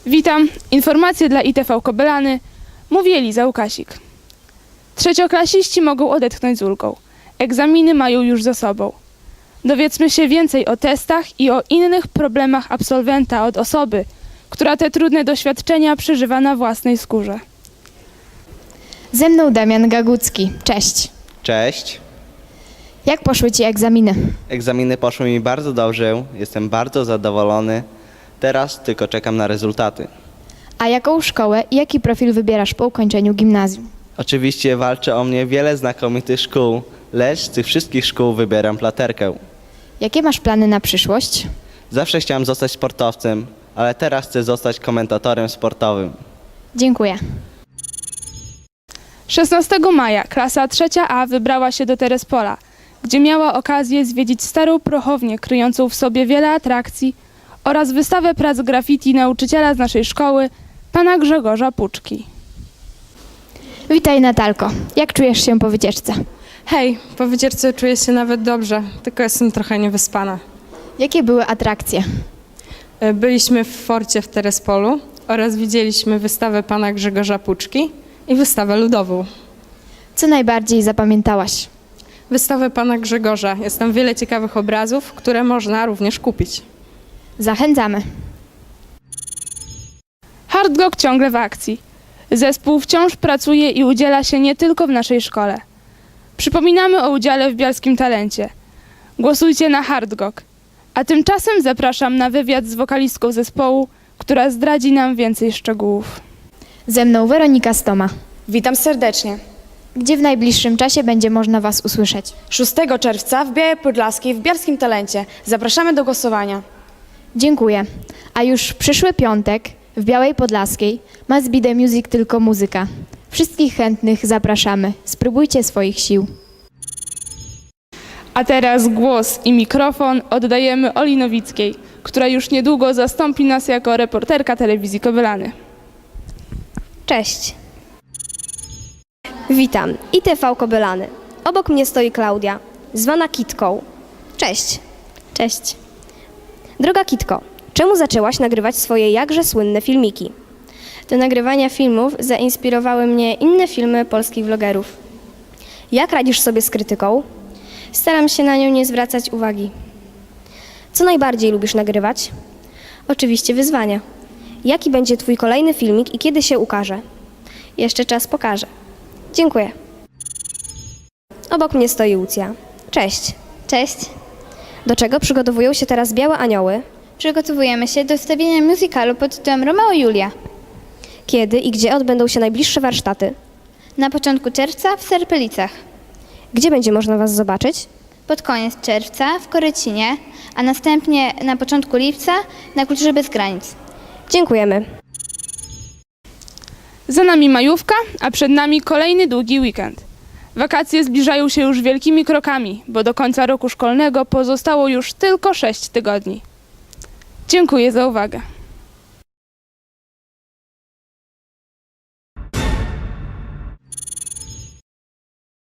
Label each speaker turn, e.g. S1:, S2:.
S1: Witam, informacje dla ITV Kobylany, mówi Eliza Łukasik. Trzecioklasiści mogą odetchnąć z ulgą. Egzaminy mają już za sobą. Dowiedzmy się więcej o testach i o innych problemach absolwenta od osoby, która te trudne doświadczenia przeżywa na własnej skórze.
S2: Ze mną Damian Gagucki. Cześć.
S3: Cześć.
S2: Jak poszły Ci egzaminy?
S3: Egzaminy poszły mi bardzo dobrze, jestem bardzo zadowolony. Teraz tylko czekam na rezultaty.
S2: A jaką szkołę i jaki profil wybierasz po ukończeniu gimnazjum?
S3: Oczywiście walczy o mnie wiele znakomitych szkół, lecz z tych wszystkich szkół wybieram Platerkę.
S2: Jakie masz plany na przyszłość?
S3: Zawsze chciałem zostać sportowcem, ale teraz chcę zostać komentatorem sportowym.
S2: Dziękuję.
S1: 16 maja klasa 3A wybrała się do Terespola, gdzie miała okazję zwiedzić starą prochownię kryjącą w sobie wiele atrakcji oraz wystawę prac graffiti nauczyciela z naszej szkoły, pana Grzegorza Puczki.
S2: Witaj Natalko. Jak czujesz się po wycieczce?
S4: Hej, po wycieczce czuję się nawet dobrze, tylko jestem trochę niewyspana.
S2: Jakie były atrakcje?
S4: Byliśmy w forcie w Terespolu oraz widzieliśmy wystawę pana Grzegorza Puczki i wystawę ludową.
S2: Co najbardziej zapamiętałaś?
S4: Wystawę pana Grzegorza. Jest tam wiele ciekawych obrazów, które można również kupić.
S2: Zachęcamy.
S1: Hardrock ciągle w akcji. Zespół wciąż pracuje i udziela się nie tylko w naszej szkole. Przypominamy o udziale w Bialskim Talencie. Głosujcie na Hardrock. A tymczasem zapraszam na wywiad z wokalistką zespołu, która zdradzi nam więcej szczegółów.
S2: Ze mną Weronika Stoma.
S5: Witam serdecznie.
S2: Gdzie w najbliższym czasie będzie można Was usłyszeć?
S5: 6 czerwca w Białej Podlaskiej w Bialskim Talencie. Zapraszamy do głosowania.
S2: Dziękuję. A już w przyszły piątek w Białej Podlaskiej Must Be The Music tylko muzyka. Wszystkich chętnych zapraszamy. Spróbujcie swoich sił.
S1: A teraz głos i mikrofon oddajemy Oli Nowickiej, która już niedługo zastąpi nas jako reporterka telewizji Kobylany.
S6: Cześć. Witam. ITV Kobylany. Obok mnie stoi Klaudia, zwana Kitką. Cześć. Cześć. Droga Kitko, czemu zaczęłaś nagrywać swoje jakże słynne filmiki? Do nagrywania filmów zainspirowały mnie inne filmy polskich vlogerów. Jak radzisz sobie z krytyką? Staram się na nią nie zwracać uwagi. Co najbardziej lubisz nagrywać? Oczywiście wyzwania. Jaki będzie Twój kolejny filmik i kiedy się ukaże? Jeszcze czas pokaże. Dziękuję. Obok mnie stoi Łucja. Cześć.
S7: Cześć.
S6: Do czego przygotowują się teraz Białe Anioły?
S7: Przygotowujemy się do wstawienia musicalu pod tytułem Romeo i Julia.
S6: Kiedy i gdzie odbędą się najbliższe warsztaty?
S7: Na początku czerwca w Serpelicach.
S6: Gdzie będzie można Was zobaczyć?
S7: Pod koniec czerwca w Korycinie, a następnie na początku lipca na Kulturze Bez Granic.
S6: Dziękujemy.
S1: Za nami majówka, a przed nami kolejny długi weekend. Wakacje zbliżają się już wielkimi krokami, bo do końca roku szkolnego pozostało już tylko 6 tygodni. Dziękuję za uwagę.